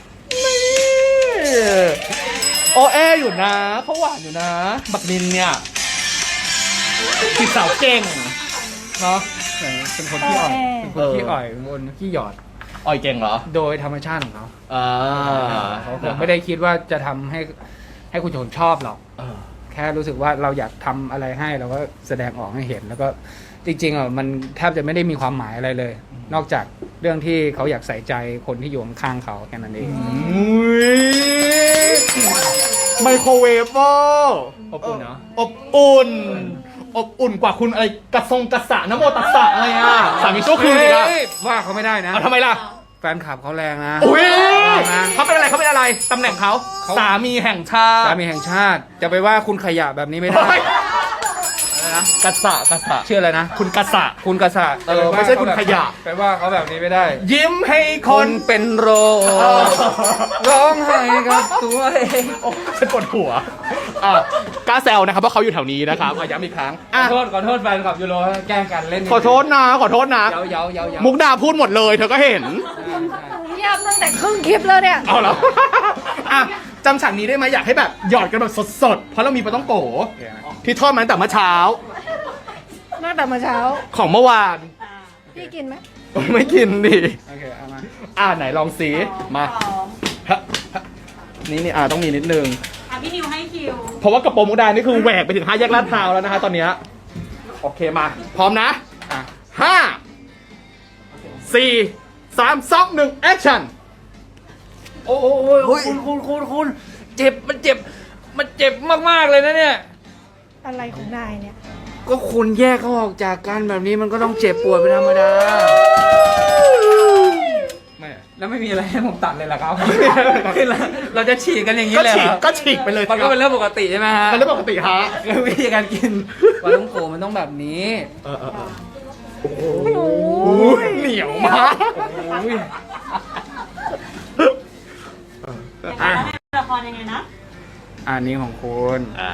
[SPEAKER 2] โอแออยู่นะเขาหวานอยู่นะ บักนินเนี่ยจีบสาวเก่งเนาะ
[SPEAKER 1] เป็นคนที่อ่อย
[SPEAKER 3] เออ
[SPEAKER 1] เป็นคนที่อ่อยเป็นคนที่หยอด
[SPEAKER 2] อ่อยเก่งเหรอ
[SPEAKER 1] โดยธรรมชาติของเขา
[SPEAKER 2] อ่า
[SPEAKER 1] เขาคงไม่ได้คิดว่าจะทำให้ให้คุณชนชอบหรอก
[SPEAKER 2] เออ
[SPEAKER 1] แค่รู้สึกว่าเราอยากทำอะไรให้เราก็แสดงออกให้เห็น แล้วก็จริงๆอ่ะมันแทบจะไม่ได้มีความหมายอะไรเลย นอกจากรื่องที่เขาอยากใส่ใจคนที่อยู่ข้างๆเขาแค่นั้นเอง
[SPEAKER 2] อุ้ยไมโครเวฟเวอร์
[SPEAKER 1] อบอุ่นเนอะ
[SPEAKER 2] อบอุ่น อบอุ่นกว่าคุณอะไรกระทรงกระสะน้ำโมตัสสะอะไรอ่ะสามีชั่วคืนอีกอ่ะ
[SPEAKER 1] เฮ้ยว่าเขาไม่ได้นะ
[SPEAKER 2] เอาทำไมล่ะ
[SPEAKER 1] แฟนคลับเขาแรงนะ
[SPEAKER 2] อุ้ย
[SPEAKER 1] นะ
[SPEAKER 2] เขาเป็นอะไรเขาเป็นอะไรตำแหน่งเขา
[SPEAKER 1] เขา
[SPEAKER 2] สามีแห่งชาติ
[SPEAKER 1] สามีแห่งชาติจะไปว่าคุณขยะแบบนี้ไม่ได้
[SPEAKER 2] เฮ้ย
[SPEAKER 1] อะไรนะ
[SPEAKER 2] กระสะกระสะ
[SPEAKER 1] ชื่ออะไรนะ
[SPEAKER 2] คุณกระสะ
[SPEAKER 1] คุณกษะ
[SPEAKER 2] เออไม่ใช่คุณขยะ
[SPEAKER 1] ไปว่าเขาแบบนี้ไม่ได้
[SPEAKER 2] ยิ้มให้ค
[SPEAKER 1] คน นเป็นโรค
[SPEAKER 2] เออ
[SPEAKER 1] ร้องไห้กับตัวเอง
[SPEAKER 2] โอ้ฉันปวดหัวอ่ะกล้าแซวนะครับว่าเขาอยู่แถวนี้นะครับอ่ะย้ำอีกครั้ง
[SPEAKER 1] ข
[SPEAKER 2] อ่ะ
[SPEAKER 1] อโทษขอโทษแฟนคลับยูโรแกล้งกันเล่น
[SPEAKER 2] ขอโทษนะขอโทษนะ
[SPEAKER 1] เย้าเย้าเย้าเย้า
[SPEAKER 2] มุกดาพูดหมดเลยเธอก็เห็น
[SPEAKER 3] เงียบตั้งแต่ครึ่งคลิปแล้วเนี่ย
[SPEAKER 2] เอาแล้ว อ่ะจำฉากนี้ได้ไหมอยากให้แบบหยอดกันแบบสดๆ เพราะเรามีปลาต้องโกที่ทอดมาตั้งแต่เมื่อเช้า
[SPEAKER 3] ตั้งแต่เมื่อเช้า
[SPEAKER 2] ของเมื่อวาน
[SPEAKER 3] พี่กินไหม
[SPEAKER 2] ไม่กินดิ
[SPEAKER 1] โอเคเอามา
[SPEAKER 2] อ่ะไหนลองสีมาฮะฮะนี่นี่อ่ะต้องมีนิดนึง
[SPEAKER 5] อ่ะพี่นิวให้คิว
[SPEAKER 2] เพราะว่ากระโปรงมุกดานี่คือแหวกไปถึงห้าแยกลาดพร้าวแล้วนะฮะตอนเนี้ยโอเคมา พร้อมนะ
[SPEAKER 1] อ่ะ
[SPEAKER 2] ห้าสี่สามสองหนึ่งแอคชั่น
[SPEAKER 1] โอ้ยคุณคุณคุณคุณเจ็บมันเจ็บ มันเจ็บมากๆเลยนะเนี่ย
[SPEAKER 3] อะไรของนายเนี่ย
[SPEAKER 1] ก็คุณแยกเขาออกจากกันแบบนี้มันก็ต้องเจ็บปวดเป็นธรรมดา
[SPEAKER 2] ไม่
[SPEAKER 1] แล้วไม่มีอะไรให้ผมตัดเลยเหรอครับ เราจะฉีกกันอย่างนี้
[SPEAKER 2] ก็
[SPEAKER 1] เลย
[SPEAKER 2] ฉี
[SPEAKER 1] เห
[SPEAKER 2] ก
[SPEAKER 1] รอ
[SPEAKER 2] ก็ฉีกไปเลย
[SPEAKER 1] มันก็เป็นเรื่องปกติใช่ไหมฮะ
[SPEAKER 2] เป็นเรื่องปกติฮะ
[SPEAKER 1] คือวิธีการกินปลาต้องโกมันต้องแบบนี้
[SPEAKER 2] เออเออเออ
[SPEAKER 3] โอ้
[SPEAKER 2] โอ้ยเหนียวมาก
[SPEAKER 1] อุ้ย
[SPEAKER 5] อ่ะละครยังไงนะ
[SPEAKER 1] อันนี้ของคุณ
[SPEAKER 2] อ่า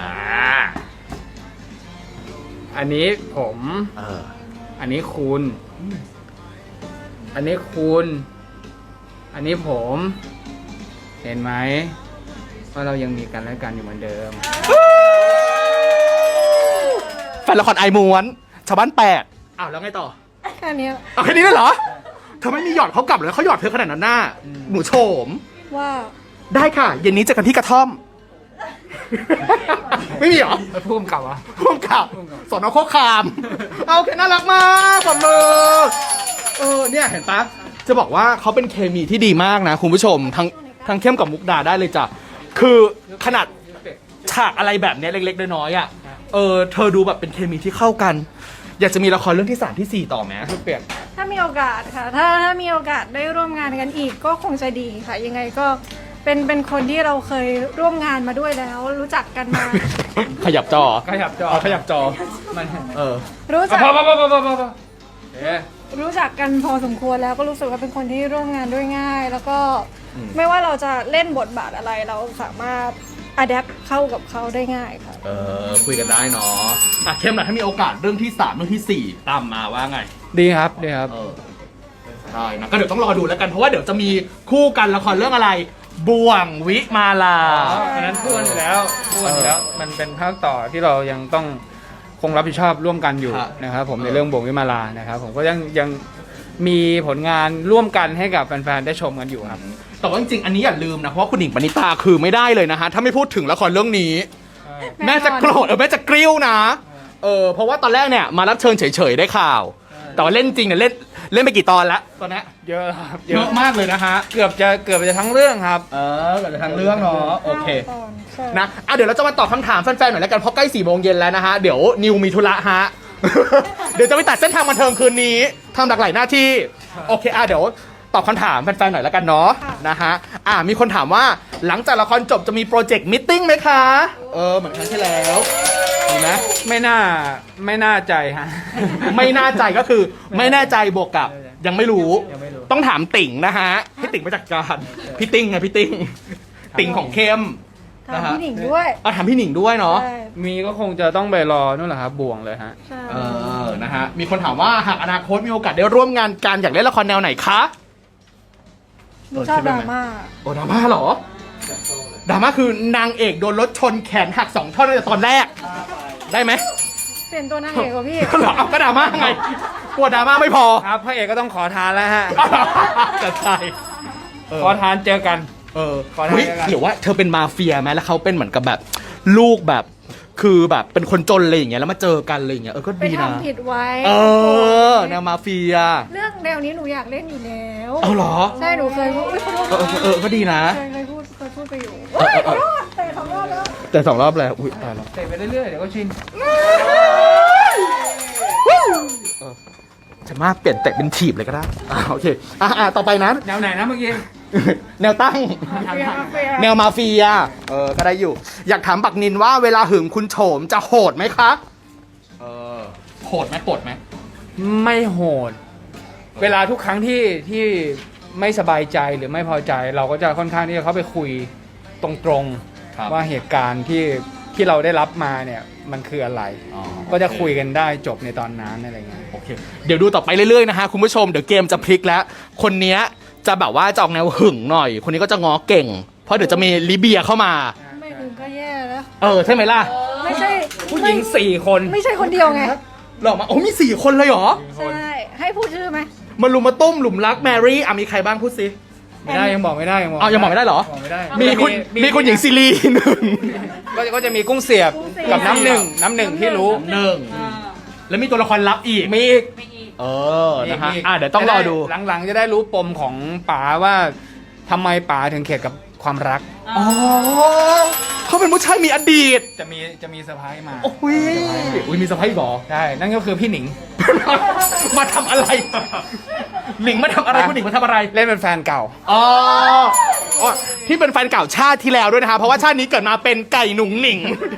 [SPEAKER 1] อันนี้ผม
[SPEAKER 2] เออ
[SPEAKER 1] อันนี้คุณ อันนี้คุณ อันนี้ผม เห็นไหมว่าเรายังมีกันและกันอยู่เหมือนเดิม
[SPEAKER 2] แฟนละครไอม้วน ชาวบ้านแปดอ้าวแล้วไงต่อ
[SPEAKER 3] แค่เนี้ย
[SPEAKER 2] เอาแค่นี้ได้เหรอเธอไม่มีหยอดเขากลับเลยเขาหยอดเธอขนาดนั้นน่ะ
[SPEAKER 1] อืม
[SPEAKER 2] หนูโฉม
[SPEAKER 3] ว่า
[SPEAKER 2] ได้ค่ะ เย็นนี้เจอกันที่กระท่อม ไม่มีเหรอ
[SPEAKER 1] ไปพุ่มกลับวะ
[SPEAKER 2] พ่วงกับสอนอโคกคาม เอาโอเคน่ารักมากปรบมือเออเนี่ยเห็นปะจะบอกว่าเขาเป็นเคมีที่ดีมากนะคุณผู้ชม ทั้งทั้งเข้มกับมุกดาได้เลยจ้ะคือขนาดฉากอะไรแบบเนี้ยเล็กๆน้อยๆอ่ะเออเธอดูแบบเป็นเคมีที่เข้ากัน อยากจะมีละครเรื่องที่สามที่สี่ต่อไหม
[SPEAKER 1] ชุดเปียก
[SPEAKER 3] ถ้ามีโอกาสค่ะ ถ้าถ้ามีโอกาสได้ร่วมงานกันอีกก็คงจะดีค่ะ ยังไงก็เป็นเป็นคนที่เราเคยร่วมงานมาด้วยแล้ว รู้จักกันมา
[SPEAKER 2] ขยับจอ
[SPEAKER 1] ขยับจอ
[SPEAKER 2] เอาขยับจอ
[SPEAKER 1] มัน
[SPEAKER 2] เออ
[SPEAKER 3] รู้จัก
[SPEAKER 1] พอพอพอพอพอพอพอเอ๊ะ
[SPEAKER 3] รู้จักกันพอสมควรแล้วก็รู้สึกว่าเป็นคนที่ร่วมงานด้วยง่าย แล้วก็
[SPEAKER 2] อืม
[SPEAKER 3] ไม่ว่าเราจะเล่นบทบาทอะไรเราสามารถอัดแอปเข้ากับเขาได้ง่ายค่ะ
[SPEAKER 2] เออคุยกันได้เนาะอ่ะเข้มหน่อยถ้ามีโอกาสเรื่องที่สามเรื่องที่สี่ตามมาว่าไง
[SPEAKER 1] ดีครับดีครับ
[SPEAKER 2] เออได้นะก็เดี๋ยวต้องรอดูแล้วกันเพราะว่าเดี๋ยวจะมีคู่กันละครเรื่องอะไร บ่วงวิมาลา
[SPEAKER 1] อ๋ออันนั้นพูดกันอยู่แล้วพูดกันอยู่แล้ว มันเป็นภาคต่อที่เรายังต้องคงรับผิดชอบร่วมกันอยู่
[SPEAKER 2] ครับ
[SPEAKER 1] นะครับผม
[SPEAKER 2] เออ
[SPEAKER 1] ในเรื่องบ่วงวิมาลานะครับผมก็ยังยังมีผลงานร่วมกันให้กับแฟนๆได้ชมกันอยู่ครับ
[SPEAKER 2] แต่ว่าจริงๆอันนี้อย่าลืมนะเพราะว่าคุณหญิงปณิตาคือไม่ได้เลยนะฮะถ้าไม่พูดถึงละครเรื่องนี้ แม่จะโกรธเออแม่จะกริ้วนะเออเพราะว่าตอนแรกเนี่ยมารับเชิญเฉยๆได้ข่าว แต่ว่าเล่นจริงเนี่ยเล่นเล่นไปกี่ตอนแล้วตอนนี้
[SPEAKER 1] เยอะครับ
[SPEAKER 2] เยอะมากเลยนะฮะ
[SPEAKER 1] เกือบจะเกือบจะทั้งเรื่องครับ
[SPEAKER 2] เออเกิดทางเรื่องเนาะโอเค
[SPEAKER 3] ตอนใช่
[SPEAKER 2] นะอ่ะเดี๋ยวเราจะมาตอบคำถามแฟนๆหน่อยแล้วกันเพราะใกล้สี่โมงเย็นแล้วนะฮะ เดี๋ยวนิวมีธุระฮะ เดี๋ยวจะไปตัดเส้นทางบันเทิงคืนนี้ทำหลากหลายหน้าที่ โอเคอ่ะเดี๋ยวตอบคำถามแฟนๆหน่อยแล้วกันเนาะนะฮะอ่ะมีคนถามว่าหลังจากละครจบจะมีโปรเจกต์มิทติ้งไหมคะ เออเหมือนครั้งที่แล้วมีไหม
[SPEAKER 1] ไม่น่าไม่น่าใจฮะ
[SPEAKER 2] ไม่น่าใจก็คือไม่แน่ใจบวกกับยังไม่รู้
[SPEAKER 1] ยังไม่รู้
[SPEAKER 2] ต้องถามติ่งนะฮะให้ติ่งมาจัดการพี่ติ่งไงพี่ติ่งติ่งของเข้ม
[SPEAKER 3] ถามพี่หนิงด้วย
[SPEAKER 2] เอาถามพี่หนิงด้วยเนาะ
[SPEAKER 3] ใช่
[SPEAKER 1] มีก็คงจะต้องไปรอนู่นแหละครับบ่วงเลยฮะ
[SPEAKER 3] ใช่
[SPEAKER 2] เออ นะฮะ มีคนถามว่าหากอนาคตมีโอกาสได้ร่วมงานกันอยากเล่นละครแนวไหนคะ
[SPEAKER 3] หนูชอบดราม่า
[SPEAKER 2] โอ้ดราม่าเหรอ ดราม่าคือนางเอกโดนรถชนแขนหักสองท่อนตั้งแต่ตอนแรก ได้ไหม
[SPEAKER 3] เปลี่ยนตัวนางเอกกว่าพี่
[SPEAKER 2] เหรอเอาก็ดราม่าไง กลัวดราม่าไม่พอ
[SPEAKER 1] ครับพระเอกก็ต้องขอทานแล้วฮะ
[SPEAKER 2] จะใช่เออ
[SPEAKER 1] ขอทานเจอกัน
[SPEAKER 2] เออ
[SPEAKER 1] ขอทาน
[SPEAKER 2] เฮ้ย
[SPEAKER 1] แล้วกัน
[SPEAKER 2] หรือว่าเธอเป็นมาเฟียไหมแล้วเขาเป็นเหมือนกับแบบลูกแบบคือแบบเป็นคนจนอะไรอย่างเงี้ยแล้วมาเจอกันอะไรอย่างเงี้ยเออก็
[SPEAKER 3] ไป
[SPEAKER 2] ดีนะ
[SPEAKER 3] ทำผิดไว้
[SPEAKER 2] เออแนวมาเฟีย
[SPEAKER 3] เรื่องแนวนี้หนูอยากเล่นอยู่แล้ว
[SPEAKER 2] เอาเหรอ
[SPEAKER 3] ใช่หนูเคยพูดอุ๊ยขอโทษ
[SPEAKER 2] เออเออเออก็ดีนะ
[SPEAKER 3] เคยเคยพูดเคยพูดไปอยู่เฮ้ยขอโทษแต่สองรอบแล้ว
[SPEAKER 2] แต่สองรอบแล้วอุ้ยตายแล้ว
[SPEAKER 1] เตะไปเรื่อยๆเดี๋ยวก็ชิน
[SPEAKER 2] ฉันว่าเปลี่ยนเตะเป็นถีบเลยก็ได้อ่าโอเคอ่ะอ่ะต่อไปนะ
[SPEAKER 1] แนวไหนนะเมื่อกี้
[SPEAKER 2] แนวตั้ง แนวมาเฟีย เออ ก็ได้อยู่ อยากถามบักนินว่าเวลาหึงคุณโฉมจะโหดไหมคะ เออ โหดไหมโหดไหม
[SPEAKER 1] ไม่โหด เวลาทุกครั้งที่ที่ไม่สบายใจหรือไม่พอใจ เราก็จะค่อนข้างที่จะเข้าไปคุยตรงๆว่าเหตุการณ์ที่ที่เราได้รับมาเนี่ยมันคืออะไร
[SPEAKER 2] อ๋อ
[SPEAKER 1] ก็จะคุยกันได้จบในตอนนั้นอะไรเงี้ย
[SPEAKER 2] โอเค เดี๋ยวดูต่อไปเรื่อยๆนะฮะคุณผู้ชม เดี๋ยวเกมจะพลิกแล้ว คนเนี้ยจะแบบว่าจะออกแนวหึงหน่อย คนนี้ก็จะง้อเก่ง เพราะเดี๋ยวจะมีลิเบียเข้ามา
[SPEAKER 3] ไม่ถึงก็แย่แล้ว
[SPEAKER 2] เออ ใช่ไหมล่ะ
[SPEAKER 3] ไม่ใช่
[SPEAKER 1] ผู้หญิงสี่คน
[SPEAKER 3] ไม่ใช่คนเดียวไง
[SPEAKER 2] หลอกมา โอ้มีสี่คนเลยเหรอ
[SPEAKER 3] ใช่ ให้พูดชื่อไหม
[SPEAKER 2] มาลุมมาตุ้มหลุมรักแมรี่อ่ะมีใครบ้างพูดสิ
[SPEAKER 1] ไม่ได้ยังบอกไม่ได้ยังบอก
[SPEAKER 2] อ๋อยังบอกไม่ได้เหรอ
[SPEAKER 1] บอกไม่ได้
[SPEAKER 2] มีคุณมีคุณหญิงซีรีหนึ่ง
[SPEAKER 1] ก็ก็จะมีกุ้งเสียบกับน้ำหนึ่งน้ำหนึ่งที่รู้
[SPEAKER 2] หนึ่ง
[SPEAKER 5] อ่า
[SPEAKER 2] แล้วมีตัวละครลับอีก
[SPEAKER 1] มีอีก
[SPEAKER 5] ไม่อีก
[SPEAKER 2] เออ นะฮะ
[SPEAKER 1] มีก
[SPEAKER 2] อ่ะเดี๋ยวต้องรอดู
[SPEAKER 1] จะไหลังๆจะได้รู้ปมของป๋าว่าทำไมป๋าถึงเข็ดกับความรัก
[SPEAKER 2] อ๋อเขาเป็นผู้ชายมีอดีต
[SPEAKER 1] จะมีจะมีเซอร์ไพรส์มา
[SPEAKER 2] โอ้ยอุ้ยมีสะพ้ายบอ
[SPEAKER 1] ใช่ นั่นก็คือพี่หนิง
[SPEAKER 2] มาทำอะไร หนิงมาทำอะไร
[SPEAKER 1] ฮะ
[SPEAKER 2] คุณหนิงมาทำอะไร
[SPEAKER 1] เล่นเป็นแฟนเก่า
[SPEAKER 2] อ๋ออ๋อที่เป็นแฟนเก่าชาติที่แล้วด้วยนะคะ เพราะว่าชาตินี้เกิดมาเป็นไก่หนุ่งหนิง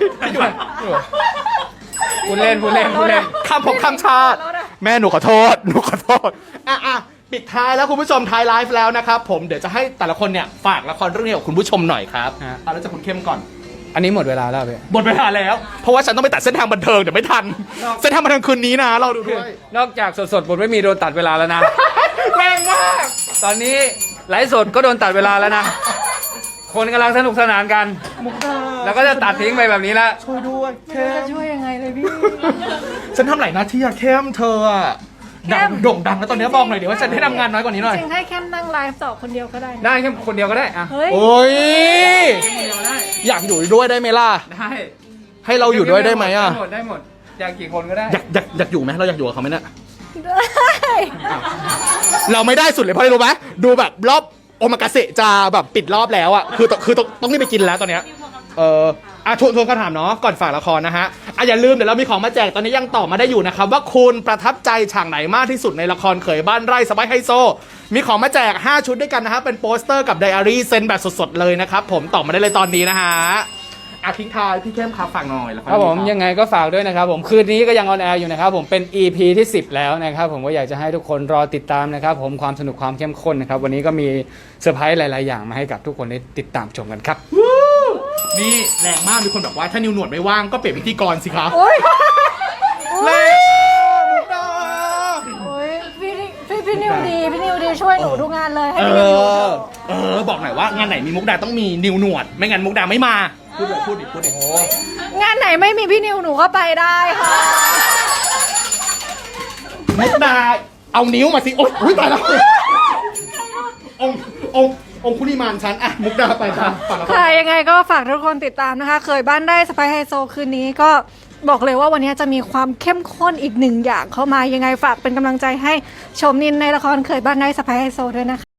[SPEAKER 1] พูดเล่นพูดเล่นพูดเล่น
[SPEAKER 2] คำผมคำชาติ แม่หนูขอโทษ หนูขอโทษ อ่ะอ่ะปิดท้ายแล้วคุณผู้ชมท้ายไลฟ์แล้วนะครับผม เดี๋ยวจะให้แต่ละคนเนี่ยฝากละครเรื่องนี้กับคุณผู้ชมหน่อยครับ
[SPEAKER 1] ฮะ
[SPEAKER 2] เอาแล้วจากคุณเข้มก่อน
[SPEAKER 1] อันนี้หมดเวลาแล้วพี่
[SPEAKER 2] หมดเวลาแล้ว เพราะว่าฉันต้องไปตัดเส้นทางบันเทิงเดี๋ยวไม่ทัน เส้นทางบันเทิงคืนนี้นะ เราดูด้วย
[SPEAKER 1] นอกจากสดๆบทไม่มีโดนตัดเวลาแล้วนะ
[SPEAKER 2] แรงมาก
[SPEAKER 1] ตอนนี้ไลฟ์สดก็โดนตัดเวลาแล้วนะ คนกำลังสนุกสนานกัน
[SPEAKER 2] มุกดา
[SPEAKER 1] แล้วก็จะตัดทิ้งไปแบบนี้ละ
[SPEAKER 2] ช่วยด้วย
[SPEAKER 3] ไม่รู้จะช่วยยังไงเลยพี่
[SPEAKER 2] ฉันทำหลายหน้าที่อะเข้มเธออะดังโด่งดังแล้วตอนนี้บอกหน่อยเดี๋ยวว่าฉันได้ทำงานน้อยกว่านี้หน่อย
[SPEAKER 3] จริงๆให้แค่นั่งไลฟ์ต่อคนเดียวก็ได้นะ
[SPEAKER 1] ได้แค่คนเดียวก็ได้อะ
[SPEAKER 3] เฮ้ย
[SPEAKER 2] โอ้ย
[SPEAKER 1] คนเดียวได้
[SPEAKER 2] อยากอยู่ด้วยได้ไหมล่ะ
[SPEAKER 1] ได้
[SPEAKER 2] ให้เราอยู่ด้วยได้ไหมอะ
[SPEAKER 1] ได้หมดได้หมดอยากกี่คนก็ได้
[SPEAKER 2] อยากอยากอยากอยู่ไหมเราอยากอยู่กับเขาไหมเนี่ย
[SPEAKER 3] ได้
[SPEAKER 2] เราไม่ได้สุดเลยเพราะอะไรรู้ไหมดูแบบรอบโอมากาเสะจะแบบปิดรอบแล้วอะคือต้องคือต้องต้องรีบไปกินแล้วตอนเนี้ย เอออ่ะทวนทวนคำถามเนาะก่อนฝากละครนะฮะอ่ะอย่าลืมเดี๋ยวเรามีของมาแจกตอนนี้ยังตอบมาได้อยู่นะครับว่าคุณประทับใจฉากไหนมากที่สุดในละครเขยบ้านไร่สบายไฮโซ มีของมาแจกห้าชุดด้วยกันนะฮะเป็นโปสเตอร์กับไดอารี่เซ็นแบบสดๆเลยนะครับผมตอบมาได้เลยตอนนี้นะฮะอ่ะทิ้งท้ายพี่เข้มครับฝากหน่อยละคร
[SPEAKER 1] ครับผม
[SPEAKER 2] นี้
[SPEAKER 1] ยังไงก็ฝากด้วยนะครับผมคืนนี้ก็ยังออนแอร์อยู่นะครับผมเป็น อี พี ที่สิบแล้วนะครับผมก็อยากจะให้ทุกคนรอติดตามนะครับผมความสนุกความเข้มข้นนะครับวันนี้ก็มีเซอร์ไพรส์หลาย ๆ อย่างมาให้กับทุกคนได้ติดตามชมกันครับ
[SPEAKER 2] นี่แรงมากมีคนบอกว่าถ้านิวหนวดไม่ว่างก็เปลี่ยนพิธีกรสิครับ
[SPEAKER 3] โอ้ย
[SPEAKER 2] แรงมุกดา
[SPEAKER 3] โอ้ยพี่พี่พี่นิวดี พี่นิวดีช่วยหนูทุกงานเลย ให้
[SPEAKER 2] เอ
[SPEAKER 3] พี่นิวอยู่เถ
[SPEAKER 2] อ
[SPEAKER 3] อะ
[SPEAKER 2] เออบอกหน่อยว่างานไหนมีมุกดาต้องมีนิวหนวด ไม่งั้นมุกดาไม่มาพูดเลยพูดดิพูดดิ
[SPEAKER 3] งานไหนไม่มีพี่นิวหนูก็ไปได้ค่ะ
[SPEAKER 2] มุกดาเอานิ้วมาสิโอ๊ยอุ๊ยตายแล้วองค์องค์องค์คุริมานฉันอะมุกดาไปค่ะฝากละคร
[SPEAKER 3] ค่ะยังไงก็ฝากทุกคนติดตามนะคะ เคยบ้านได้สไปไฮโซคืนนี้ก็บอกเลยว่าวันนี้จะมีความเข้มข้นอีกหนึ่งอย่างเข้ามายังไงฝากเป็นกำลังใจให้ชมนินในละครเคยบ้านได้สไปไฮโซด้วยนะคะ